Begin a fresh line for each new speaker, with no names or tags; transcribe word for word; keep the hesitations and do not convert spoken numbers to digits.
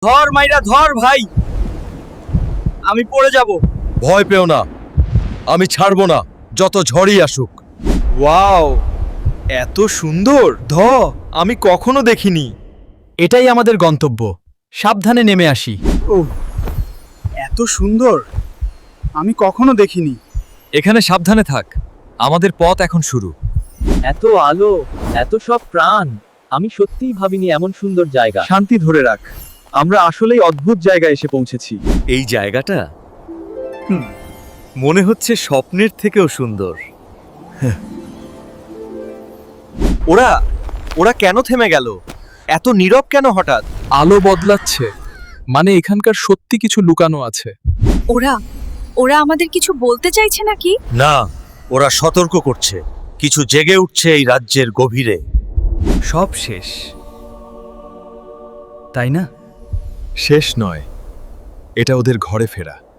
ধর মাইরা ধর ভাই, আমি পড়ে যাব।
ভয় পেও না, আমি ছাড়বো না যত ঝড়ই আসুক।
ওয়াও, এত সুন্দর ধ আমি কখনো দেখিনি।
এটাই আমাদের গন্তব্য, সাবধানে নেমে আসি।
ও, এত সুন্দর আমি কখনো দেখিনি।
এখানে সাবধানে থাক, আমাদের পথ এখন শুরু।
এত আলো, এত সব প্রাণ, আমি সত্যিই ভাবিনি এমন সুন্দর জায়গা।
শান্তি ধরে রাখ, আমরা আসলেই অদ্ভুত জায়গায় এসে পৌঁছেছি।
এই জায়গাটা মনে হচ্ছে স্বপ্নের থেকেও সুন্দর।
ওরা ওরা কেন থেমে গেল? এত নীরব কেন হঠাৎ?
আলো বদলাচ্ছে, মানে এখানকার সত্যি কিছু লুকানো আছে।
ওরা ওরা আমাদের কিছু বলতে চাইছে নাকি?
না, ওরা সতর্ক করছে, কিছু জেগে উঠছে এই রাজ্যের গভীরে।
সব শেষ, তাই না?
শেষ নয়, এটা ওদের ঘরে ফেরা।